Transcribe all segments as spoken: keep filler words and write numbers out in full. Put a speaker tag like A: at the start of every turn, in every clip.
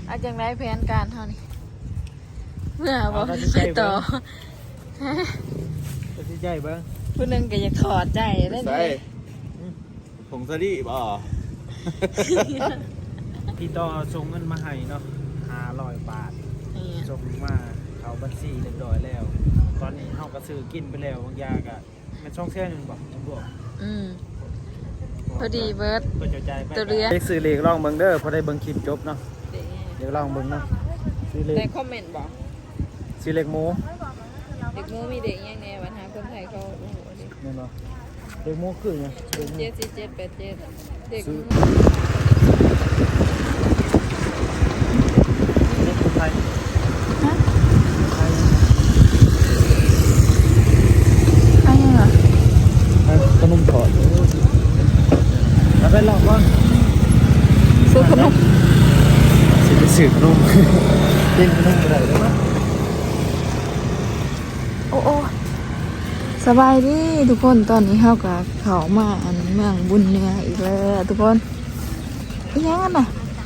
A: อาจังไรแผนการเท่านี้เมื่อบอกไปต่อ
B: จะที่ใจเบิ้ง
A: ผู้นึงก็อยากถอดใจได้ไหม
C: ผงสดีบ่
B: พี่ต่อส่งเงินมาให้เนาะห้าร้อยบาทส่งมาเขาบัญชีเรียบร้อยแล้ว ตอนนี้เฮาก็ซื้อกินไปแล้วบางอย่างก็มันช่องแค่นึงบ่ต้องบอก
A: อืมพอดีเบิร์ด
B: ตัวเรือเด็กซื้อเลขลองเบิ่งเด้อพอได้เบิ่งคลิปจบเนาะเดี๋ยวลองเบิ่งเนาะ
A: ซื้อเลขในคอมเมนต์บอก
B: ซื้อเลขหมู
A: เด็กหมูมีเด็กยังไงปัญหาคนไทยเขาโอ้โหดิ
B: นี่เนาะเลขหมูคือไง
A: เจ็ดสี่เจ็ดแปดเจ็ดเด็ก
B: ไทย
A: ฮะไอ้ยังเหรอ
B: ขนมถอดแล้วไปลองว่า
A: ซื้อขนม
B: ซื้อไปซื้อขนมเล่นขนมอะไรได้ไหม
A: โอ้โอ้สบายดีทุกคนตอนนี้เข้ากับเขามาอันเมืองบุญเนื้ออีกแล้วทุกคนอีกอย่างน่ะ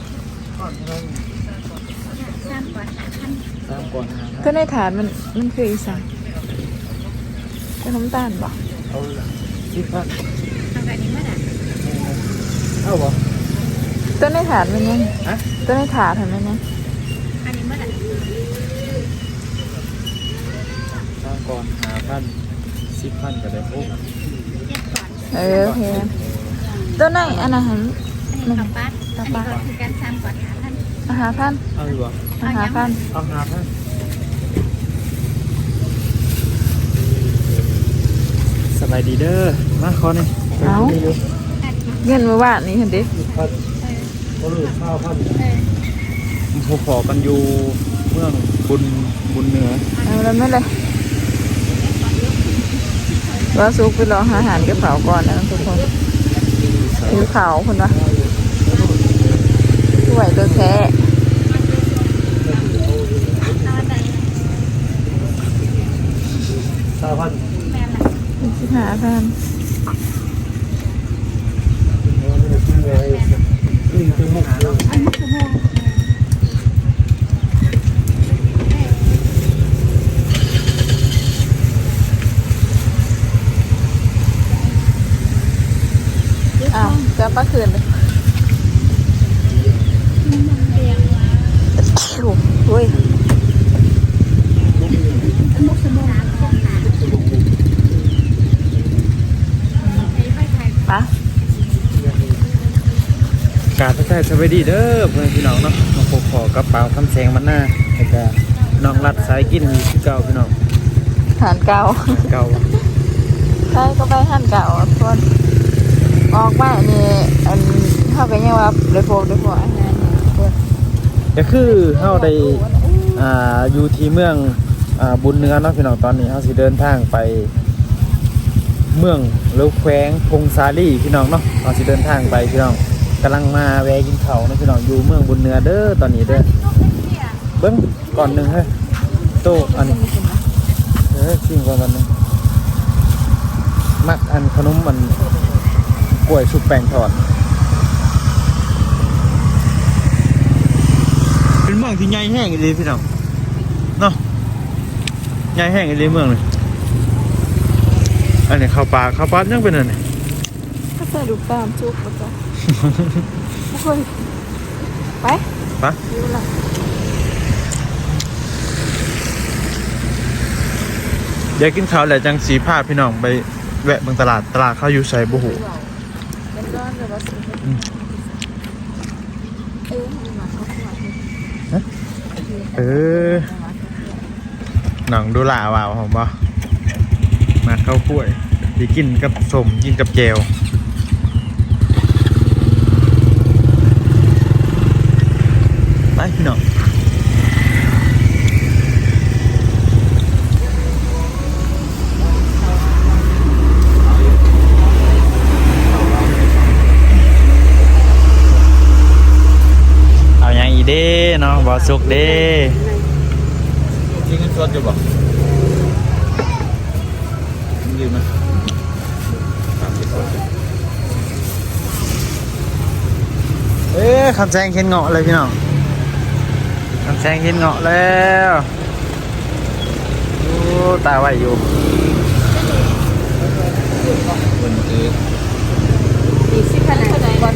B: สามก่อนสามก่อน
A: ก็ในฐานมันมันคืออีสานเป็นน้ำตาลบ่
B: เอาสิบพันทำแบบนี้เมื่อไหร่เอาบ่
A: ต้นในถาดมันยังต้นในถาดเห็นไหมเนี่ย
B: อันนี้เมื่อไหร่สร้างก่อนหาพันสิบพันก็ได้โอ้
A: เออโอเคต้นไหนอันนั้นหัน
D: มันกับปัดอันนี้ก็คือการซ้ำก่อนหาพัน
A: หาพัน
B: เอาหรอ
A: หาพัน
B: เอาหาพันสบายดีเด้อมาขอนี่
A: เอาเงินมาว่านี่เห็นดิ
B: พันเขาหลุดข้าวพันผมขอกันอยู่เมืองบุญบุญเหนือ
A: เอาแล้วไม่เลยว่าซุกไปรออาหารกระเป๋าก่อนนะทุกคนผิวขาวคนวะสวยตัวแท้
B: สามพัน
A: สิบห้าพันอ้าวจะป้าคืนเลยโอ้ยปะ
B: การทักทายสวัสดีเด้อเพื่อนพี่น้องเนาะมาพบขอกระเป๋าคำแสงมันหน้าแล้วก็น้องรัดสายกินอยู่ที่เก่าพี่น้อง
A: หันเก่า
B: เก่า
A: ใช่ก็ไปหันเก่าทุกคนออกมาเนี่ยอันเท่ากับยังว่าเลยโฟมเลยโฟมอาหาร
B: ก็คือเฮาได้อ่าอยู่ที่เมืองอ่าบุญเนื้อเนาะพี่น้องตอนนี้เฮาสิเดินทางไปเมืองหรือแขวงพงซาลีพี่น้องเนาะเฮาสิเดินทางไปพี่น้องกำลังมาแวะกินข้าวนะพี่น้องอยู่เมืองบุญเนื้อเด้อตอนนี้เด้อเบิ้งก่อนหนึ่งเฮ้ยโตอันเออชิมก่อนวันนึงมักอันขนมมันกล้วยสุกแป้งทอดเป็นเมืองที่ใหญ่แห้งเลยพี่น้องเนาะใหญ่แห้งเลยเมืองเลยอันนี้ข้าวปลาข้าวปลายังเป็นอะไร
A: ก็ใส่ดูตามจุกมาจ้ะทุกคนไป
B: ไปเดี๋ยวกินข้าวแล้วจังสีผ้าพี่น้องไปแวะบางตลาดตลาดเขาอยู่ใส่บุหูเออหนังดูหล่าว่าวผมบ่มาข้าวกล้วยที่กินกับสมกินกับแจวไปพี่น้องเอาอย่างอีเด้เนาะบ่สุกเด้
C: จริงๆสดอยู่บ่ยืมนะ
B: เอ๊ะคำแซงเข็นเงาะเลยพี่น้องน้ำแสงเห็นเงาะแล้วโอ้ตาไหวอยู่
C: คนคือ
A: อีกสิบพันเท่าไหร่ก่อน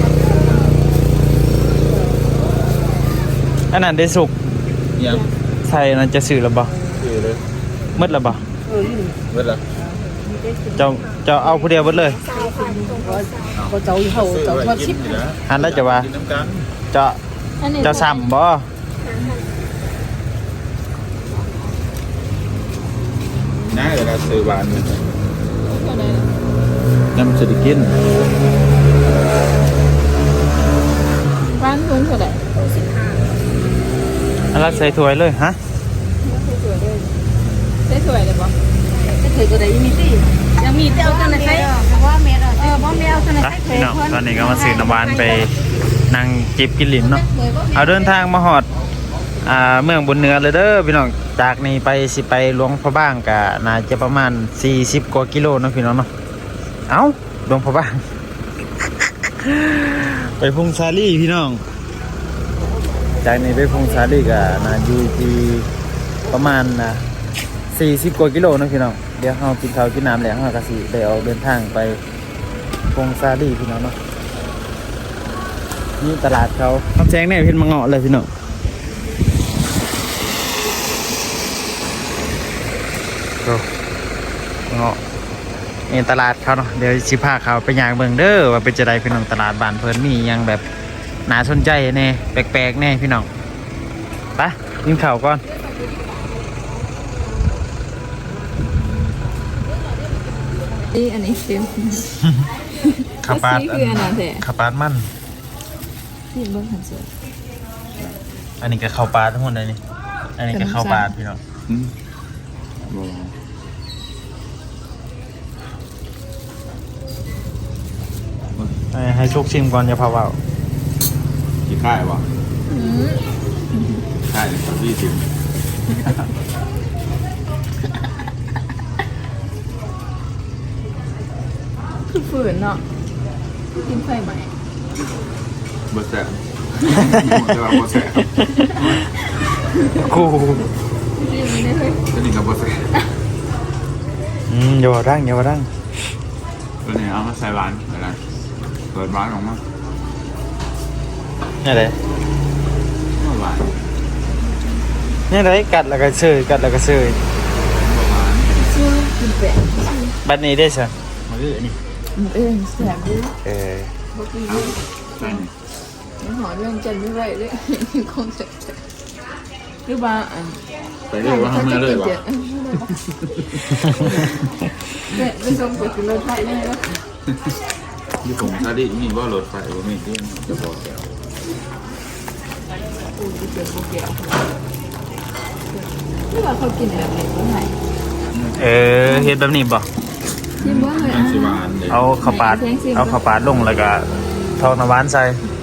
B: อันนั้นได้สุก
C: ยัง
B: ใส่นั่นจะสื่อหรือเปล่า
C: คือเลย
B: มืดหรือเปล่า
C: เวลา
B: เจ้าเจ้าเอาผู้เดียวหมดเลย
E: có cháu thì hầu
C: ซื้อ
E: cháu
C: ไว้
E: thoát
C: กิน
E: ship
C: นี่นะ
B: อันแล้วจะว่า
C: กินน้ำกัน
B: เจ้าเจ้าซ้ำบ่
C: น้าเวลาซื้อหวานน้ำจะได้กิน
A: บ้านลุงเท่าไหร่
B: อันละใส่ถ้วยเลยฮะ
A: ได้สวยเลยปะ
E: cái thời của đấy mi tì nhà mi tìเอาตัวไหนใส่
D: ว่าเมด
E: เออบ่แม่เอาตัวไหน
B: ไป
E: ใส่
B: พี่น้องตอนนี้ก็มาซื้อน้ำหวานไปนั่งจิบกินหลินเนาะเอาเดินทางมาหอดอ่าเมืองบนเหนือเลยเด้อพี่น้องจากนี้ไปสิไปหลวงพระบางก็น่าจะประมาณสี่สิบกว่ากิโลเนาะพี่น้องเนาะเอ้าหลวงพระบาง ไปพุงซาลี่พี่น้องจากนี้ไปพุงซาลี่ก็น่าอยู่ที่ประมาณนะสี่สิบกว่ากิโลเนาะพี่น้องเดี๋ยวเรากินข้าวกินน้ำแล้วเราก็สิได้ออกเดินทางไปพุงซาลี่พี่น้องเนาะนี่ตลาดเขาทำแซงแน่เพิ่นมาเงาะเลยพี่น้องดูเงาะนี่ตลาดเขาเนาะเดี๋ยวสิพาเขาไปย่างเบิ่งเด้อว่าเป็นจะไดพี่น้องตลาดบ้านเพิ่นมีหยังแบบน่าสนใจแน่แปลกๆแน่พี่น้องไปกินข้าวก่อน
A: นี่อันนี้เต็ม
B: ข้าวปลา
A: สีคืออันนั้นแท้
B: ข้าวปลามัน
A: ที่เบิ้งหันเสือ
B: อันนี้ก็ข้าวปลาทั้งหมดเลยนี่อันนี้ก็ข้าวปลาพี่น้อง
C: อืมบ่
B: ให้ให้ชุกชิมก่อนอย่าพาเว่า
C: กี่ค่ายวะค่ายกับพี่สิบ
A: คือฝืนเนาะกินไฟใหม่
C: บ่แซ่บแต่ว่าบ่แซ่บ
B: กู
A: กินไม่ได้เลย
C: ตัวนี้ก็บ่แซ่บ
B: อืมอย่าว่าดังอย่าว่าดัง
C: ตัวนี้เอามาใส่หวานอะไรเปิดหวานออกมา
B: เนี่ยเลย
C: หวาน
B: เนี่ยเลยกัดแล้วก็เชยกัดแล้วก็เชย
C: หวาน
A: ชื่อกินแปะ
B: บัดนี้ได้ใช่
C: มาดิอันนี้
A: เออแสบดิ
B: เออ
A: บ่กิน
C: เอาใส่นี่
A: มันหอเรื่องจันไม่ไหวเลยคงจะหรือว่าอัน
C: ใส่เลยว่าทำมาเลยวะ
A: เนี่ยไปส่งไปกินรถไฟได้ไหมล่ะ
C: ที่ผมซาดิมีว่ารถไฟว่ามีที่จะบอกแก
A: อูจะเจอโบเกียวหรือว่าเขากินแบบไหนก็ไหน
B: เออเฮ็ดแบบนี้บ่
A: ชิมว่าเลย
C: อั
A: อ่ะ
C: นสิหวานเลย
B: เอาข้าวปาดเอาข้าวปาดลงแล้วก็ทองน้ำหวานใส่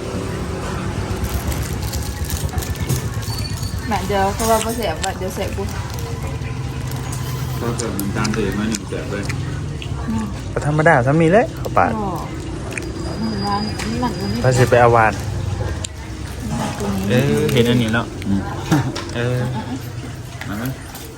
A: หนังเดียวเขาว่าเขาแสบว่าเดี๋ยวแสบกู
C: ก็เกิดน้ำตาลเทมาหนึ่งแสบเลย
B: ก็ธรรมดาซะมีเลยข้าวปาด
A: ก็มันร้านนี่หลังมันนี่
B: พาสิไปเอาหวานเออเห็นอันนี้แล้วเออ
C: มาไหม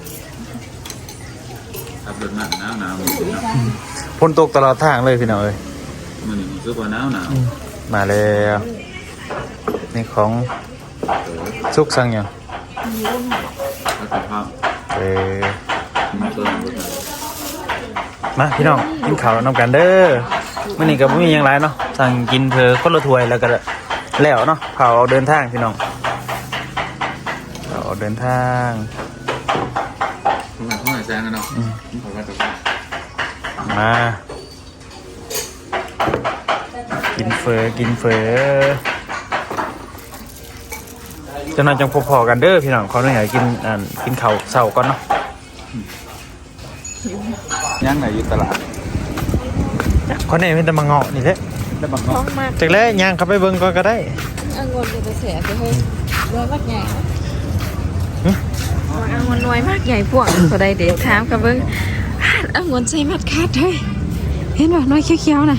C: ขับรถหนักหนาวหนาวมันสิเนาะ
B: ฝนตกตลอดทางเลยพี่น้องเอ้ย
C: มันนี่คือว่าหนาวหนาว
B: มาแล้วนี่ของซุกสั่งยัง
C: แล้วก็ข้าว
B: เออ
C: มาเติมรถหนัก
B: มาพี่น้องกินข้าวน้ำกันเด้อมื่อนี้ก็ไม่มีหยังไรเนาะสั่งกินเพอคนละถ้วยแล้วก็แล้วเนาะเผาเอาเดินทางพี่น้องเผาเอาเดินทาง
C: ผมหัดข้าวหายแซงกันเนาะผมว่าจะ
B: มากินเฟอกินเฟอจะนอนจังพอๆกันเด้อพี่น้องขอหน่อยกินอ่ากินข้าวเช้าก่อนเนาะ
C: ย่างไหนอยู่ตลาด
B: คนนี้เป็นแต่มาเงาะนี่แหละ
C: ได้บัง
A: ท้อ
C: เนาะ
A: งมาก
B: จากแล้วย่างเข้าไปเบิ่งก่อนก็ได้
A: อังวนจะแสบจะให้รวยมากใหญ่อังวนรวยมากใหญ่พวกก็ได้เดี๋ยวถามกับเบิ้งอังวนใส่มัดคาดเฮ้ยเห็นป่ะน้อยเขียวๆน่ะ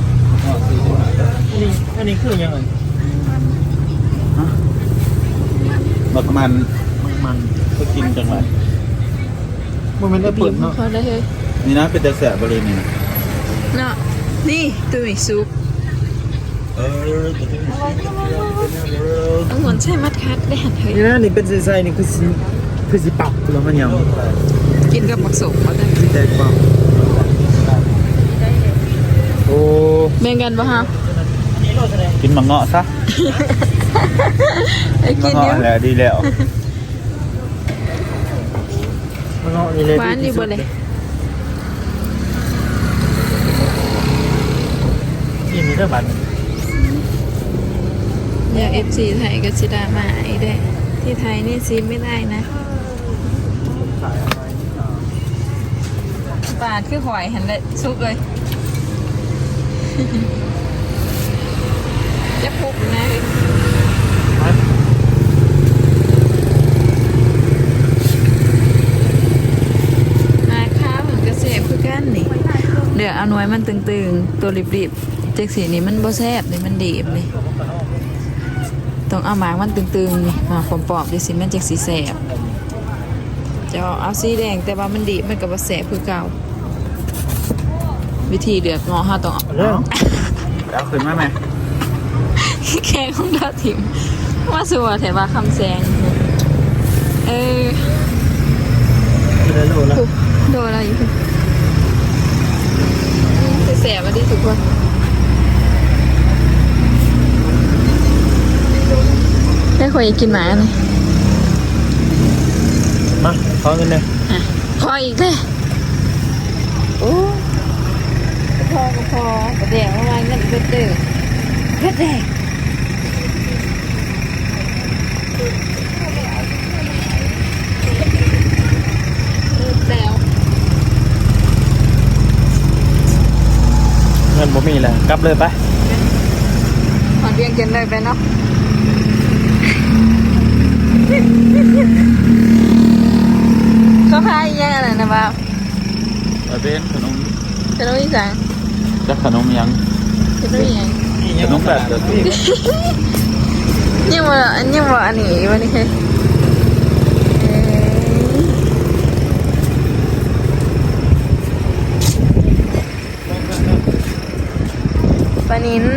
B: อันนี้อันนี้คือยังไง
C: บักมัน
B: มัน
C: ก็กินจังหวะ
B: มันมันได้
A: บี
B: เปิ
A: บ
B: ดเนาะ
A: เขาได้เฮ้ย
C: นี่นะเป็นแต่แสบบริเวณนี้นะ
A: เนาะนี่ตุ้ยซุป
C: เออ
A: ต้องหมุนใช่มัดคัดได้หันเฮ้ย
B: นี่นะนี่เป็นไส้ๆนี่คือสิคือสิปักแล้วมันยัง
A: กินกับหมักสมมาได้
B: สิแตกเปล่าโอ้
A: แบ่งกันปะฮะ
C: กินมังเงาะซะ
A: ไอ้
C: มั
A: กิ
C: ง
A: นอ
C: เงาะ
A: ยู่
C: แหละดีแล้ว
B: มันเอานี่เลย
A: หวานดีบ่เลย
B: นี่มีแต่บัตร
A: อยากเอฟซีไทยกับชิดามาอีกได้ที่ไทยนี่ซีไม่ได้นะปาดคือหอยหันเลยซุกเลย จะพุกนะนาข้าวเหมือนกระเสบคือกันนี่เดี๋ยวเอาหน่วยมันตึงๆ ตัวริบๆเจ๊กสีนี่มันบ่แซ่บนี่มันดีบนี่ต้องเอาหมากมันตึงๆนี่หมากปอมๆดิสิมันเจ๊กสีแซ่บจะเอาสีแดงแต่ว่ามันดีบมันก็บ่แซ่บคือเก่าวิธีเลือกเงาะเฮาต้องเอา
B: เรื่อง
C: แล้วขึ้นมาไหม
A: แข่งของดาวทิมว่าสัวแต่ว่าคำแซงเออ
B: ที่ได้โลแล้ว
A: ปุ๊บโดนอะไรอยู่คือแสบมาดิทุกคนได้คอยกินหมาไหม
B: มาขอเงินเลย
A: อ่ะพออีกเลยโอ้พอก็พอแต่เดี๋ยวมาเงินเบ็ดเด้อเบ็ดแดงแล้ว
B: เงินบ่มีแล้วกลับเลยไป
A: ขอเรียงกันเลยไปเนาะเขาพายยังอะไรนะบ้าว
C: เอาเป็นขนม
A: จะรู้อีสัง
C: จะขนมยัง
A: จะรู้ยัง
C: ขนมแบบเดิม
A: ยังว่ายังว่าอันนี้วันนี้คือปลานิน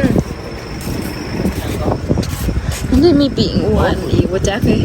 A: มันจะมีปีกอ้วนอีกว่าจ๊ะคือ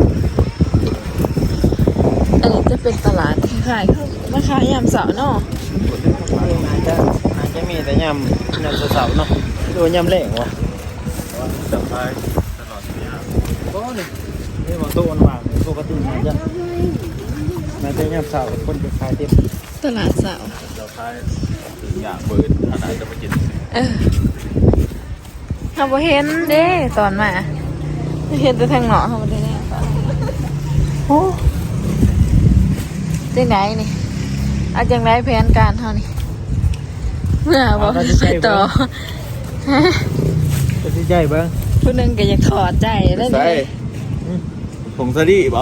A: อันนี้จะเป็นตลาดขายข้าวมาขายยามเสาร์เนาะ
B: อาจจะอาจจะมีแต่ยำยำเสาๆเนาะดูยำแหลงวะ
C: จับไปตลอดเนี้ย
B: ก็นี่นี่มันโตมันว่างปกติมันจะมันจะยำเสาคนจะขายเต็ม
A: ตลาดเสาร์
C: เราใช้ถึงอย่างเบิร์ดขนาดจะไปกิน
A: เออเราบ่เห็นเด้ตอนมาเห็นแต่ทางหนอเขาบ่ได้แน่โอ้จังไดนี่เอาจังไดแผนการเฮานี่เมื่อบ่ไปต่อฮะ
B: จะที่ใจเบิ้ง
A: ผู้หนึงก็อยากถอดใจแล้ว
C: ใส่
A: นี่
C: ผงซาดิบ่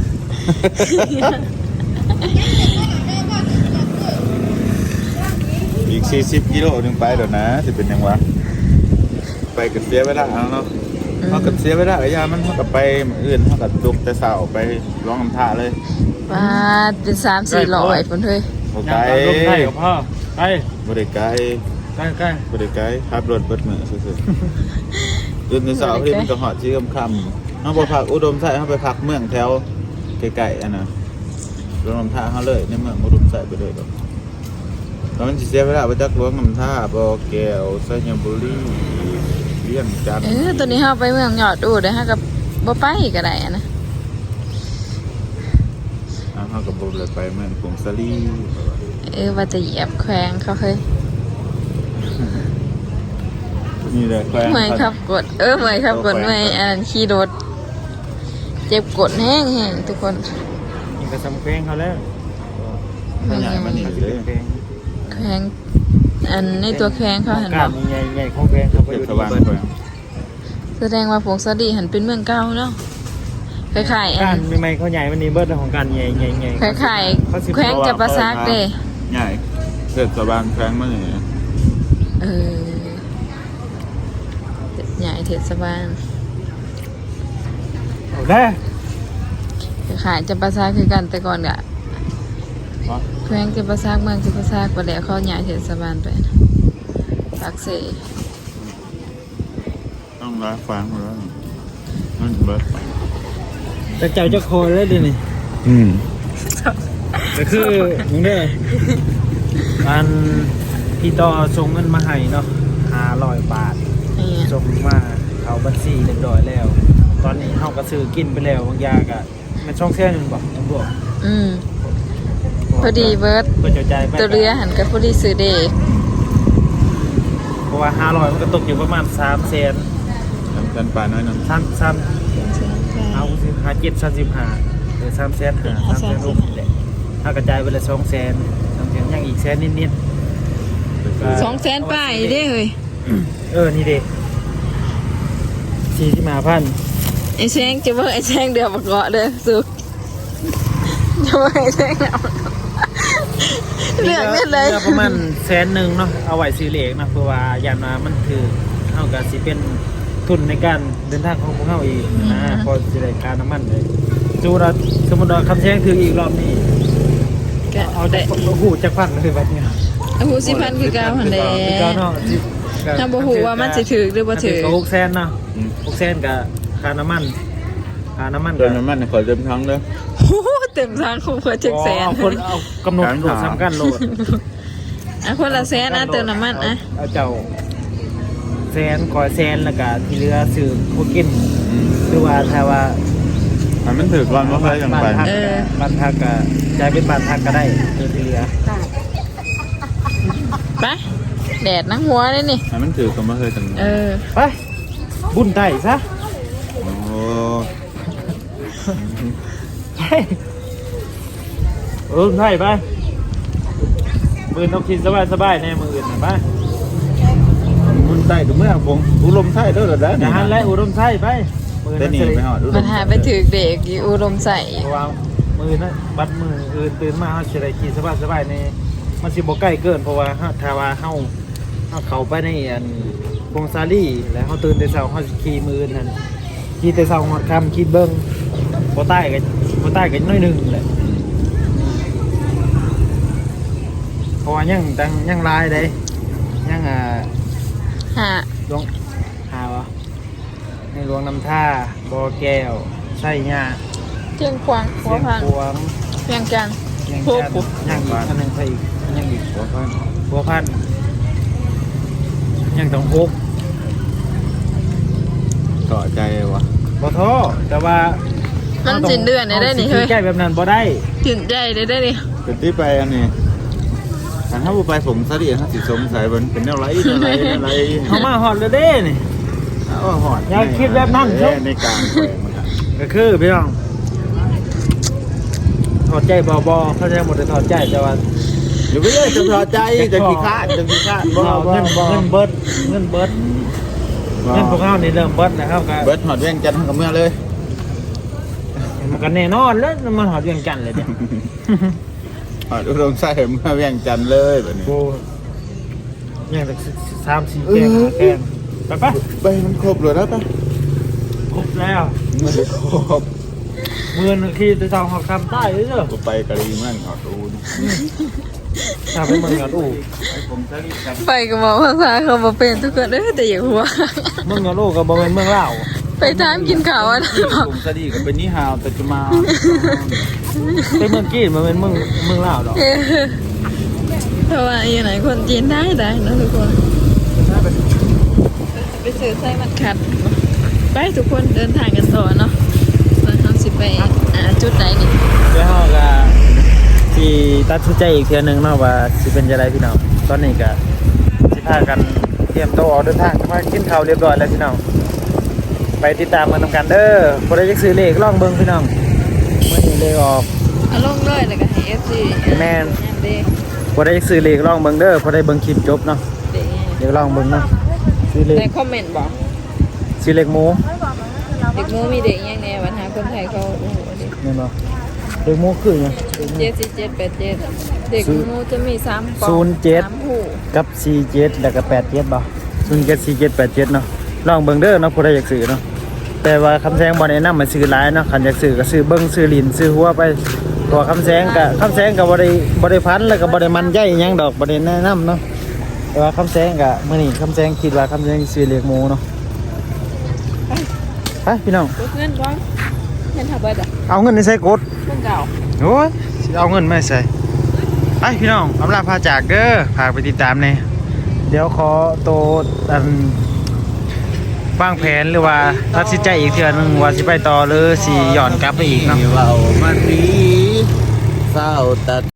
C: อีกสี่สิบกิโลหนึ่งไปเดี๋ยวนะจะเป็นยังวะไปกับเสียเวลาเอาเนาะเขากับเสียเวลาระยะมันเขากับไปอื่นเขากับดุกแต่สาวไปร้องน้ำท่าเลย
A: ว่าเป็นสามสี่ร้อยพุ่นเฮ้ย
C: โอ
B: ยั
C: ไก
B: งลงไทยกับพ่อไป
C: บริไกล
B: ใกล้ใกล้
C: บริไกลขับรถเบิดมือสุดๆ อื่นในสาวที่มันก็หอดชื่อคำๆเขาไปพักอุดมใส่เขาไปพักเมืองแถวไกลๆอันน่ะลงน้ำท่าเขาเลยในเมืองอุดมใส่ไปเลยดอกตอนนั้นสิเสียเวลาไปจักล้วงน้ำท่าบ่อแก้วไซยบุรีเลี้ยงจันท
A: เอ
C: ร์
A: อตัวนี้เฮาไปเมืองยอดอูดเด้อฮะกับบ่ไปก็ได้อะนะ
C: อ่าเขากับบุเลยไปเมืองกรุงสลี
A: เออว่าจะเหยียบแขวงเขาเคย
C: นี่เลยแขวง
A: เมื่อยครับกด เออเมื่อยครับกดเมื่อยอ่านขี่รถเจ็บกดแห้งแห้งทุกคน
B: นี่ก็สำเพลงเขาแล้ว
C: ขยายมานี่เลย
B: เพลง
A: แขวงอันในตัวแขวงเขาเห็น
B: กา
A: บ่
B: รใหญ่ใหญ่ของเพลงเขาไป
C: เท
B: อ
C: ศ
B: ยู่
C: บาล
B: ที่
C: แขวง
A: แสดงว่าผงสะดีหันเป็นเมืองเก่าเนาะคล้ายๆอั
B: การ
A: น
B: ใหม่ๆเขาใหญ่วันนี้เบิร์ดของการใหญ่ใหญ่ใหญ่
A: คล้ายๆแขวงจะประซักเด้
C: ใหญ่เทศบาลแขวงมานี่
A: เออใหญ่เทศบาล
B: เอาได้
A: ขายจะประซากคือกันแต่ก่อนกะ
C: เพราะ
A: แขวงจะประซากเมืองจะประซากไปแล้วเขาย้ายเทศบาลไปนะปากเส
C: ต้องรักฟังแล้วมันเบิด
B: แต่เจ้าเจ้าโคเลยดินี่
C: อืม
B: ก็คือมึงเด้ออันพี่ต่อส่งเงินมาให้เนาะห้าร้อยบาท
A: นี่
B: ส่งมาเอาบัญชีเรียบร้อยแล้ว ตอนนี้เฮาก็ซื้อกินไปแล้วบางอย่างก็มันช่องแค่นึงบ่ต้องบอก
A: อืมพอดีเบิร์ด
B: เพื่อจะจ่ายไป
A: ตัวเรือหันกับพอดีซื้อเด็ก
B: เพราะว่าห้าร้อยมันก็ตกอยู่ประมาณสามแสน
C: ทำกันปลาน้อยนึง
B: สามสามเอาสิห้าเจ็ดสามสิบห้าหรือสามแสนห้าสามแสนลูกนี่แหละถ้ากระจายไปละสองแสนสามแสนยังอีกแสนนิดๆก็
A: สองแสนป้ายเด้เฮ้ย
B: เออนี่เด้สี่สิบห้าพัน
A: ไอ้แซงจะว่าไอ้แซงเดือบเกาะเด้อสุกจะว่าไอ้แซงเอาเลือกได้เลย
B: หลือประมาณแสนหนึ่งเนาะเอาไว้ซื้อเหล็กนะเพราะว่าอย่างว่ามันคือเท่ากับสิเป็นทุนในการเดินทางของพวกเขาอีกนะพอจะได้ค่าน้ำมันเลยจูเราสมมติว่าคำแซงถืออีกรอบนี้
A: ก็
B: เอา
A: ได้
B: จากหูจากพันเลยแบบเนี้ย
A: เอาหูสิพันคือเก้าหันแหล้
B: คือเก้าเนาะ
A: ถ้าบ่ฮู้ว่ามันสิถือหรือบ่ถือ
B: ก็หกแสนเนาะหกแสนกับค่าน้ำมันค่าน้ำมัน
C: เดินน้ำมันขอเต็มทั้งเลย
A: โอ้โหเต็มทางคงเพื่อเจ็ดแสน
B: เอาคนเอากำหนดโหลดสำคัญโหลด
A: อ่ะคนละแสนอ่ะเติมน้ำมันอ่ะ
B: เอาเจ้าแสนคอยแสนแล้วก็ที่เหลือซื้อพวกกินหรือว่าถ้าว่า
C: มันมันถือก่อนว่าใครยังไป
B: บ้านพักบ้านพักก็จ่ายเป็นบ้านพักก็ได้คือที่เหลือ
A: ไปแดดนังหัวเลยนี่
C: มันมันถือก็ไม่เคยถึง
A: เออ
B: ไปบุญไต่ซะ
C: โอ้
B: ไปเออไต่ไปมือต้องคิดสบายสบายๆในมืออื่นน่ะไป
C: บุญใต้ถึงเมื่อผมอุลมใต้ด้วยเหรอเด้อ
B: อย่าหันและอุดมไส้ไปมือ
C: ได้
B: นั้น
C: หนี
B: สิ
C: ไปหอดอุดม
A: มันหาไปถือเด็กอยู่อุดมใส่
B: เพราะว่ามือนั้นบัดมืออื่นตื่นมาเขาจะได้ขี่สบายสบายๆในมันสิบ่ใกล้เกินเพราะว่าเฮาถ้าว่าเฮาเฮาเข้าไปในอันพงซาลี่แล้วเฮาตื่นแต่เช้าเฮาสิขี่มือนั่นขี่แต่เช้าฮอดค่ำคิดเบิ่งบ่ใต้ก็บ่ใต้ก็น้อยหนึงแหละเพราะว่ายังตังยังหลายเด้ยังอ่า
A: หา
B: หลวงหาวะในหลวงน้ำท่าบ่อแก้วไส้หญ้า
A: เที่ยงควางหั
B: เสี
A: วย
B: ง
A: พัง
B: พวง
A: เพียงกัน
B: ยัง
A: พวก
B: จันยังอีกอันหนึงใส่อีกยังอีก
C: หัวพัน
B: บัวพันธุ์ยังต้องฮก
C: ต่อใจวะ
B: บ่ท้อแต่ว่า
A: มั
B: มัน
A: สินเดือนได้ได้นี่เฮ้ย
B: แก้แบบนั้นบ่ได้
A: สินใจได้ได้นี่
C: เป็นที่ไปอันนี้ถ้าถ้าไปผมสลีถ้าสิสงสัยมันเป็นอะไรอะไรอะไร
B: เขามาฮอดเลยเด้นี่
C: เอาหอด
B: อย่าคิดแบบนั้น
C: เอ้ยในกลางแขวงมันอะ
B: ก็คือพี่น้องถอดใจบ่บ่เขาจะหมดแต่ถอดใจแต่ว่า
C: อยู่ไม่ได้จะพอใจจะขี้ข้าดจะขี้ข้าดบ่
B: เรา
C: บ่
B: เงิน
C: บ่
B: เงินเบิดเงินเบิดเงินพวกเขานี่เริ่มเบิดนะครับก็
C: เบิร์ดหอดเวียงจันทร์กับเมื่อเลย
B: มันก็แน่นอนแล้วมันหอดเวียงจันทน์เลยเนี่ย
C: หอดอุดมใส่เมื่อเวียงจันทร์เลยแบบนี้
B: โบยังแต่สามสี่แกงห้าแกงไปปะ
C: ไปมันครบเลยแล้วปะ
B: ครบแล้ว
C: ไม่ได้ครบ
B: มือนึงขี่จะทำหอกคำใต้เลยเด้อ
C: ก็ไปกะลีเมืองหอดอูน
B: ทำเป็นเมืองหยอดอู่
C: ไปผมสลีกัน
A: ไปกับหมอภาษาเขาบอกเป็นทุกคนเด้อแต่อย่าหัว
B: เมืองหยอดอู่กับบริเวณเมืองเล่าว
A: ไปทามกินข้าวอ่ะนะ
C: ผมสลีก็เป็นนิฮาวแต่จะมา
B: เป็นเมืองกีนมันเป็นเมืองเมืองเล่าวดอก
A: เออเพราะว่าอยู่ไหนคนจีนได้ได้นะทุกคนไปซื้อไส้มันขัดไปทุกคนเดินทางกันต่อเนาะเราทำสิไปอ่าจุดไหนนี่
B: เดี๋ยวเราก็ที่ตัดสินใจอีกเทียหนึงเนาะว่าสิเป็นจะไรพี่น้องตอนนี้ก็สิพากันเตรียมตัวออกเดินทางมากินข้าวเรียบร้อยแล้วพี่น้องไปติดตามกันทำกันเด้อบ่ได้จักซื้อเลขลองเบิ่งพี่น้องเมื่อนี้เลขออก
A: เอาลงเลยแล้วก็ให้ เอฟ ซี
B: แม่น
A: เด้
B: บ่ได้จักซื้อเลขลองเบิ่งเด้อบ่ได้เบิ่งคลิปจบเนาะ
A: เด้
B: เดี๋ยวลองเบิ่งเนาะซื้อเลข
A: ในคอมเมนต์บอก
B: ซื้อเลขหมู
A: เด็กหมูมีเด็กยังไงวันหาคนไทยเขาโอ้โหเด็ก
B: แม่นบ่เลขหมูคือหยัง
A: เจ็ดสี่เจ็ดแปดเจ็ดเด็กหมูจะมีสามปอง
B: ศูนย์เจ็ด
A: สามหู
B: กับสี่เจ็ดแล้วก็แปดเจ็ดบ่ศูนย์เจ็ดสี่เจ็ดแปดเจ็ดเนาะลองเบิ่งเด้อเนาะผู้ใดอยากซื้อเนาะแต่ว่าคำแสงบ่แนะนำมาซื้อหลายเนาะคันอยากซื้อก็ซื้อเบิ่งซื้อลิ้นซื้อหัวไปเพราะว่าคำแสงก็คำแสงก็บ่ได้บ่ได้พันแล้วก็บ่ได้มันใหญ่หยังดอกบ่ได้แนะนำเนาะแต่ว่าคำแสงก็มื้อนี้คำแสงคิดว่าคำแสงซื้อเลี้ยงหมูเนาะไปพี่น้อง
E: เงินก่อนเงินถ้าเบิดอ่ะ
B: เอาเงินในใส่กด
E: เงินเก่า
B: โอ้ยสิเอาเงินมาใส่ไปพี่น้องอำลาพาจากเด้อฝากไปติดตามแน่เดี๋ยวขอโตอันวางแผนหรือว่าตัดสินใจอีกเทื่อนึงว่าสิไปต่อหรือสิย้อนกลับไปอีกเนาะ
C: เว้ามันดีเศร้าตัด